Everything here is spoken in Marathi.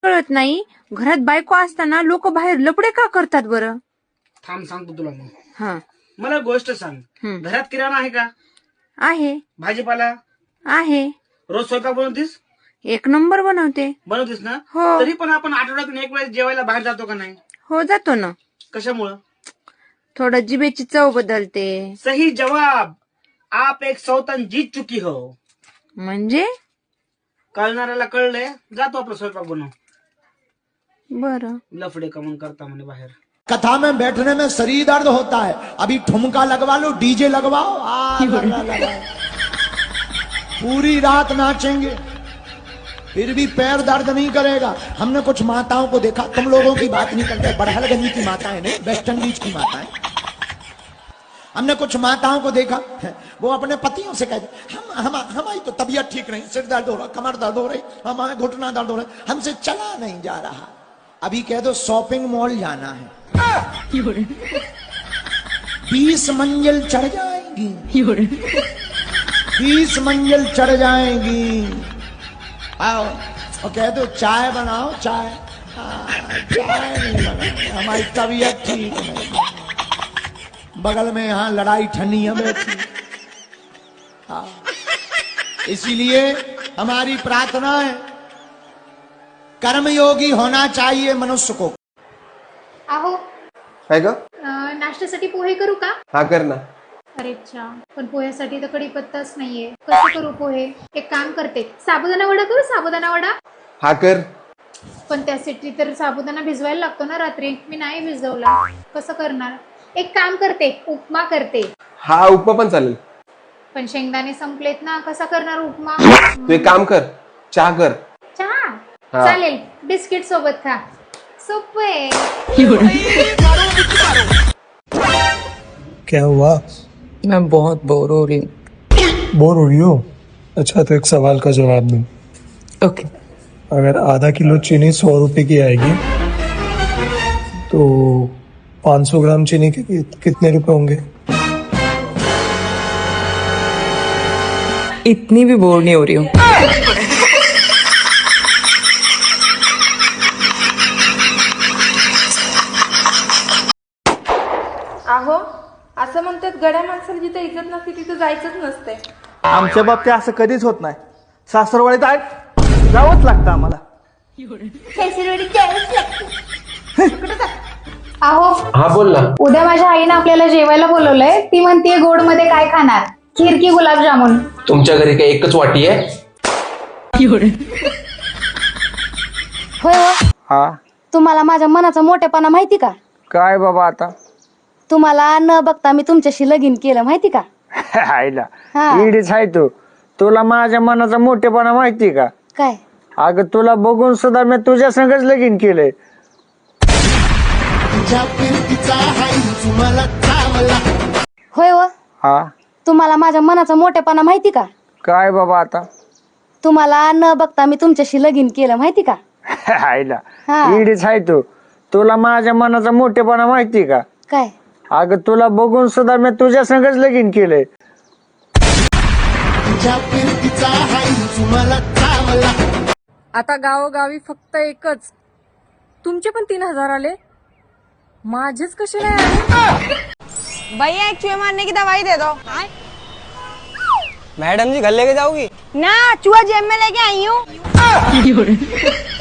कळत नाही, घरात बायको असताना लोक बाहेर लपडे का करतात बरं? थांब सांगतो तुला मग. हा मला गोष्ट सांग, घरात किराणा आहे का? आहे. भाजीपाला आहे. रोज स्वयंपाक बनवतीस? एक नंबर बनवते. बनवतीस ना? हो. तरी पण आपण आठवड्यातून एक वेळेस जेवायला बाहेर जातो का नाही? हो जातो ना. कशामुळं? थोडं जिभेची चव बदलते. सही जवाब. आप एक सौतन जीत चुकी हो. म्हणजे कळणाऱ्याला कळलंय, जातो आपला स्वयंपाक बनव. बरं. लफडे कमन करता म्हणे बाहेर. कथा में बैठने में शरीर दर्द होता है, अभी ठुमका लगवा लो, डीजे लगवाओ, पूरी रात नाचेंगे फिर भी पैर दर्द नहीं करेगा। हमने कुछ माताओं को देखा, तुम लोगों की बात नहीं करते, बड़हलगंज की माताएं नहीं, वेस्ट इंडीज की माताएं। हमने कुछ माताओं को देखा, वो अपने पतियों से कहते हमारी तो तबीयत ठीक नहीं, सिर दर्द हो रहा, कमर दर्द हो रही, हमारे घुटना दर्द हो रहा, हमसे चला नहीं जा रहा। अभी कह दो शॉपिंग मॉल जाना है, 20 मंजिल चढ़ जाएंगी, 20 मंजिल चढ़ जाएंगी। आओ और कह दो चाय बनाओ, चाय चाय नहीं बनाओ, हमारी तबीयत ठीक नहीं, बगल में यहाँ लड़ाई ठनिया बैठी। हाँ, इसीलिए हमारी प्रार्थना है, कर्मयोगी होना चाहिए मनुष्य को। आहो काय ग? नाश्त्यासाठी पोहे करू का? हा कर ना. अरे अच्छा, पण पोह्यासाठी तर कढीपत्ताच नाहीये, कसं करू पोहे? एक काम करते, साबुदाणा वडा करू, साबुदाणा वडा. हा कर. पण त्यासाठी तर साबुदाणा भिजवायला लागतो ना रात्री, मी नाही भिजवला, कसं करणार? एक काम करते, उपमा करते. हा उपमा पण चालेल. पण शेंगदाणे संपलेत ना, कसा करणार उपमा? तू एक काम कर, चहा कर. चहा हा. चालेल, बिस्किट सोबत खा, सोपं आहे. क्या हुआ? मैं बहुत बोर हो रही हूँ। बोर हो रही हो? अच्छा, तो एक सवाल का जवाब दूं। ओके। अगर आधा किलो चीनी 100 रुपए की आएगी तो 500 ग्राम चीनी के कितने रुपए होंगे? इतनी भी बोर नहीं हो रही हूँ। आहो, असं म्हणतात गड्या माणसाला जिथे इज्जत नसते तिथे जायचंच नसते. आमच्या बाबतीत असं कधीच होत नाही. सासरवाडीत जावंच लागतं आम्हाला. आहो हा बोल ना. उद्या माझ्या आईनं आपल्याला जेवायला बोलवलंय, ती म्हणते गोड मध्ये काय खाणार, खीर की गुलाबजामुन? तुमच्या घरी काय एकच वाटी आहे? होय हो. हा तुम्हाला माझ्या मनाचा मोठेपणा माहिती का? काय बाबा आता? तुम्हाला न बघता मी तुमच्याशी लगीन केलं, माहिती का? आईला हा. इडीच आहे तू. तुला माझ्या मनाचा मोठेपणा माहिती का? काय? अगं तुला बघून सुद्धा मी तुझ्या संगच लगीन केलंय. होय हो. हा तुम्हाला माझ्या मनाचा मोठेपणा माहिती का? काय बाबा आता? तुम्हाला न बघता मी तुमच्याशी लगीन केलं, माहिती का? आईला हा. इडीच आहे तू. तुला माझ्या मनाचा मोठेपणा माहिती का? काय? अगं तुला बघून सुद्धा मी तुझ्या संगच लगीन केलंय. आता गावोगावी फक्त एकच. तुमचे पण 3000 आले, माझेच कसे नाही आले? भैया एक चूहे मारने की दवाई दे दो. मैडम जी घर लेके जाओगी? ना, चूहा जेब में लेके आई हूँ.